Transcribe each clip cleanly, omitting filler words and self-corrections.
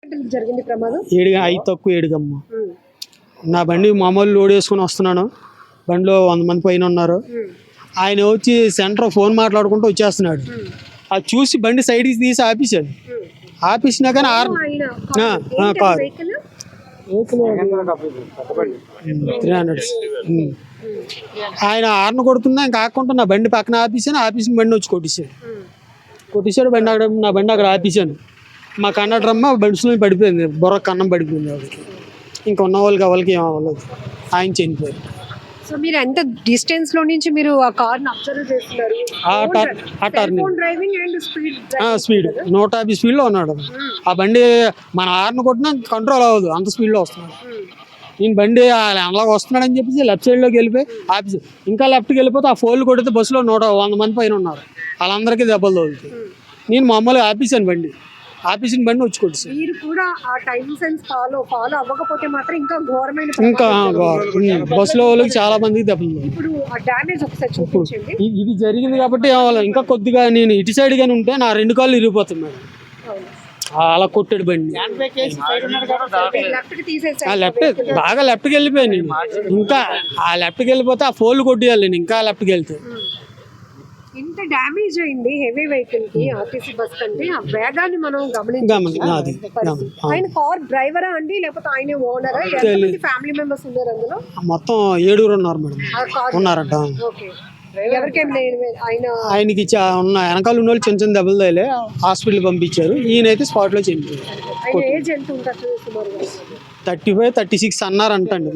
జరిగింది ప్రమాదం? 5 తక్కువ 7 నా బండి మామూలు లోడ్ వేసుకుని వస్తున్నాను. బండిలో 100 మంది పైన ఉన్నారు. ఆయన వచ్చి సెంటర్ ఫోన్ మాట్లాడుకుంటూ వచ్చేస్తున్నాడు. అది చూసి బండి సైడ్కి తీసి ఆపేశాడు. ఆపేసినా కానీ కార్ 300. ఆయన హార్న్ కొడుతున్నా ఇంకా ఆకుండా నా బండి పక్కన ఆపేసిన బండి వచ్చి కొట్టేశాడు. నా బండి అక్కడ ఆపేశాను. మా కండక్టర్ అమ్మ బెడ్స్లో పడిపోయింది, బొర్ర కన్నం పడిపోయింది. వాళ్ళకి ఇంకా ఉన్న వాళ్ళకి ఏం అవ్వలేదు. ఆయన చనిపోయారు. సో మీరు ఎంత డిస్టెన్స్ లో నుంచి మీరు ఆ కార్ ని అబ్జర్వ్ చేస్తున్నారు? స్పీడ్ 150 స్పీడ్ లో ఉన్నాడు. ఆ బండి మన హార్న్ కొట్టినా కంట్రోల్ అవ్వదు, అంత స్పీడ్ లో వస్తున్నాడు. నేను బండి అలాగ వస్తున్నాడని చెప్పేసి లెఫ్ట్ సైడ్ లోకి వెళ్ళిపోయి ఆఫీస్ ఇంకా లెఫ్ట్కి వెళ్ళిపోతే ఆ ఫోన్లు కొడితే బస్సులో 100 మంది పైన ఉన్నారు. వాళ్ళందరికీ దెబ్బలు తగులుతాయి. నేను మామూలుగా ఆపేసాను బండి వచ్చి కొట్టేసాను. మీరు కూడా ఆ టైం సెన్స్ ఫాలో అవ్వకపోతే మాత్రం ఇంకా ఘోరమైన బస్సులో వాళ్ళకి చాలా మందికి దెబ్బలు. ఇప్పుడు ఆ డ్యామేజ్ ఒకసారి చూపించండి. ఇది జరిగింది కాబట్టి ఇంకా కొద్దిగా నేను ఇటు సైడ్ గానీ ఉంటే నా 2 కాళ్ళు ఇరిగిపోతుంది మేడం. అలా కొట్టాడు బండి. లెఫ్ట్ బాగా లెఫ్ట్కి వెళ్ళిపోయాను నేను. ఇంకా ఆ లెఫ్ట్కి వెళ్ళిపోతే ఆ ఫోన్లు కొట్టేయాలి నేను ఇంకా లెఫ్ట్కి వెళ్తే. ఇంత డ్యామేజ్ అయింది హెవీ వెహికల్ కి, ఆర్టీసీ బస్ కంటే ఆ వేగాన్ని మనం గమనించాలి. ఆయన కార్ డ్రైవరా అండి లేకపోతే ఆయన ఓనరా? ఫ్యామిలీ మెంబర్స్ ఉన్నారు అందులో? మొత్తం 7 ఉన్నారు మేడం. ఉన్నారంట. ఆయనకి ఉన్న వెనకాల ఉన్న వాళ్ళు చిన్న చిన్న దెబ్బలు తగిలే హాస్పిటల్ పంపించారు. ఈయనైతే స్పాట్ లో చనిపోయారు. 35, 36 అన్నారంటండి.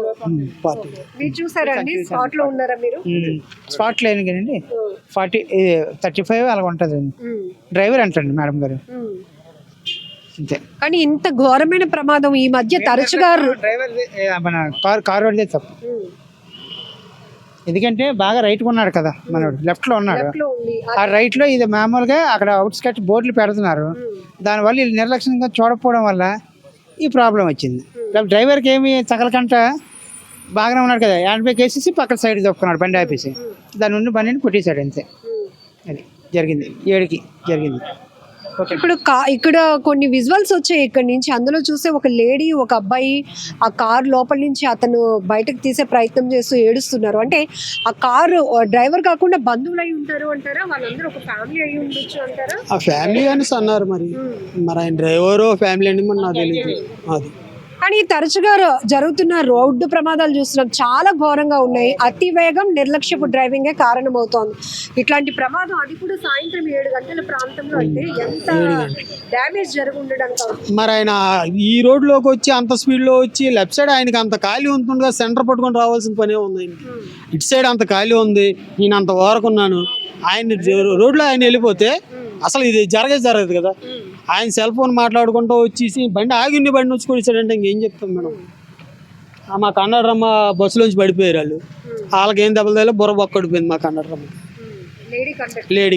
స్పాట్ లేని కదండి, 35 అలాగ ఉంటుందండి. డ్రైవర్ అంటండి మేడం గారు. అంతే. కానీ ఇంత ఘోరమైన ప్రమాదం ఈ మధ్య తరచుగా డ్రైవర్ మన కార్ వాడితే తప్పు. ఎందుకంటే బాగా రైట్ ఉన్నాడు కదా, మనోడు లెఫ్ట్ లో ఉన్నాడు. ఆ రైట్ లో ఇది మామూలుగా అక్కడ అవుట్ స్కట్ బోర్డులు పెడుతున్నారు. దానివల్ల వీళ్ళు నిర్లక్ష్యంగా చూడకపోవడం వల్ల ఈ ప్రాబ్లం వచ్చింది. డ్రైవర్కి ఏమి తగలకంట బాగానే ఉన్నాడు కదా, హ్యాండ్ బ్రేక్ వేసేసి పక్కన సైడ్ తప్పుకున్నాడు బండి ఆపేసి. దాని నుండి బండిని కొట్టేశాడు అంతే. అది జరిగింది 7కి జరిగింది. ఇప్పుడు ఇక్కడ కొన్ని విజువల్స్ వచ్చాయి ఇక్కడ నుంచి. అందులో చూస్తే ఒక లేడీ ఒక అబ్బాయి ఆ కార్ లోపల నుంచి అతను బయటకు తీసే ప్రయత్నం చేస్తూ ఏడుస్తున్నారు. అంటే ఆ కారు డ్రైవర్ కాకుండా బంధువులు అయి ఉంటారు అంటారా? వాళ్ళందరూ ఒక ఫ్యామిలీ అయి ఉండొచ్చు అంటారా? ఆ ఫ్యామిలీ అని అన్నారు. మరి ఆయన డ్రైవర్ ఫ్యామిలీ అని నాకు తెలియదు. అది కానీ తరచుగా జరుగుతున్న రోడ్డు ప్రమాదాలు చూస్తున్నాం, చాలా ఘోరంగా ఉన్నాయి. అతి వేగం, నిర్లక్ష్యపు డ్రైవింగే కారణం అవుతోంది ఇట్లాంటి ప్రమాదం. అది కూడా సాయంత్రం 7 గంటల ప్రాంతంలో అంటే ఎంత డ్యామేజ్ జరిగి ఉండడానికి. మరి ఆయన ఈ రోడ్లోకి వచ్చి అంత స్పీడ్ లో వచ్చి లెఫ్ట్ సైడ్ ఆయనకి అంత ఖాళీ ఉంటుండగా సెంటర్ పట్టుకొని రావాల్సిన పనే ఉంది. ఇటు సైడ్ అంత ఖాళీ ఉంది, నేను అంత వారుకున్నాను. ఆయన రోడ్లో ఆయన వెళ్ళిపోతే అసలు ఇది జరగదు కదా. ఆయన సెల్ ఫోన్ మాట్లాడుకుంటూ వచ్చేసి బండి ఆగిండి బండి వచ్చి కొడిచాడంటే ఇంకేం చెప్తాం మేడం. మా కండక్టర్ అమ్మ బస్సులోంచి పడిపోయారు. వాళ్ళకి ఏం దెబ్బలు తగిలే బుర్ర బొక్కడిపోయింది మా కండక్టర్ అమ్మ, లేడీ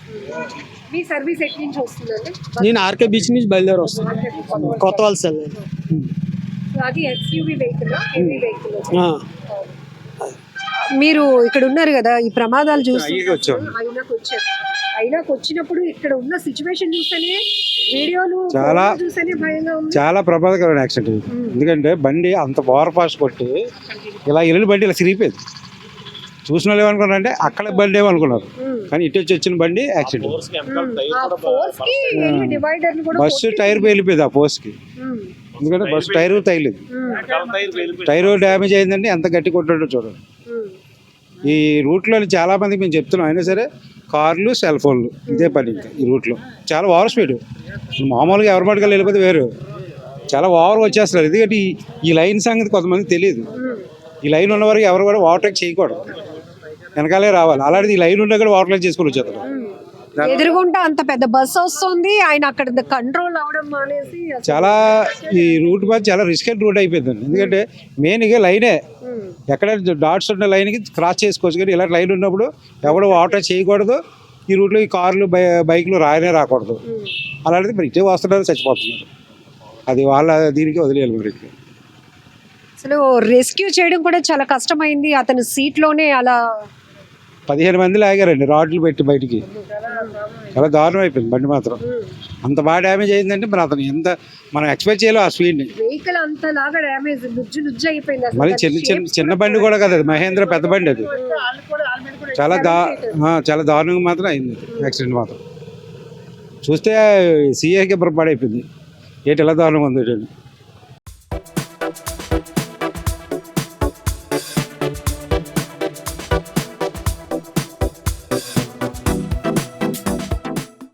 కండక్టర్. నేను ఆర్కే బీచ్ నుంచి బయలుదేరి వస్తాను, కొత్త వలస. మీరు ఇక్కడ ఉన్నారు కదా, ఈ ప్రమాదాలు చూసి అయినాకు వచ్చినప్పుడు ఇక్కడ ఉన్న సిచ్యువేషన్ చూస్తేనే వీడియోలు చూస్తేనే భయంగా ఉంది. చాలా ప్రమాదకరమైన యాక్సిడెంట్. ఎందుకంటే బండి అంత ఓవర్ ఫాస్ట్ కొట్టి ఇలా ఇల్లు బండి ఇలా సిరిగిపోయింది. చూసిన వాళ్ళు ఏమనుకున్నారంటే అక్కడ బండి ఏమనుకున్నారు, కానీ ఇటు వచ్చిన బండి యాక్సిడెంట్. బస్సు టైర్ పేలిపోయింది ఆ పోస్ట్ కి. ఎందుకంటే బస్సు టైర్ తగిలేదు, టైర్ డ్యామేజ్ అయిందండి. ఎంత గట్టి కొట్టాడో చూడండి. ఈ రూట్లో చాలా మందికి మేము చెప్తున్నాం, అయినా సరే కార్లు సెల్ ఫోన్లు ఇదే పని. ఇంకా ఈ రూట్లో చాలా ఓవర్ స్పీడ్. మామూలుగా ఎవరి మటుకలు వెళ్ళిపోతే వేరు, చాలా ఓవర్గా వచ్చేస్తున్నారు. ఎందుకంటే ఈ లైన్ సంగతి కొంతమందికి తెలియదు. ఈ లైన్ ఉన్న వరకు ఎవరు కూడా ఓవర్టేక్ చేయకూడదు, వెనకాలే రావాలి. అలాంటిది ఈ లైన్ ఉన్నా కూడా ఓవర్టేక్ చేసుకుని వచ్చేస్తారు. ఎదురుగుంటా అంత పెద్ద బస్ వస్తుంది, ఆయన అక్కడ కంట్రోల్ అవడం మానేసి చాలా ఈ రూట్ మీద చాలా రిస్కెడ్ రూట్ అయిపోయిందండి. ఎందుకంటే మెయిన్గా లైనే, ఎక్కడ డాట్స్ ఉన్న లైన్కి క్రాస్ చేసుకోవచ్చు, కానీ ఇలాంటి లైన్ ఉన్నప్పుడు ఎవరు ఓవర్టేక్ చేయకూడదు. ఈ రూట్లో ఈ కార్లు బైక్లు రాకూడదు. అలాంటిది మరి ఇటే వస్తున్నారు, చచ్చిపోతున్నారు. అది వాళ్ళ దీనికి వదిలేయాలి. మరి అసలు రెస్క్యూ చేయడం కూడా చాలా కష్టమైంది. అతను సీట్లోనే అలా 15 మంది లాగారండి రాడ్లు పెట్టి బయటికి. చాలా దారుణం అయిపోయింది బండి మాత్రం. అంత బాగా డ్యామేజ్ అయిందంటే మరి అతను ఎంత మనం ఎక్స్పెక్ట్ చేయలేం ఆ స్పీడ్ని. వెహికల్ అంతలాగా డ్యామేజ్ నుజ్జు అయిపోయింది అసలు. మళ్ళీ చిన్న బండి కూడా కదా అది, మహేంద్ర పెద్ద బండి అది. చాలా చాలా దారుణంగా మాత్రం అయింది యాక్సిడెంట్ మాత్రం. చూస్తే సీఏకి బుర్రపాడైపోయింది, ఏంటి ఎలా దారుణంగా ఉంది.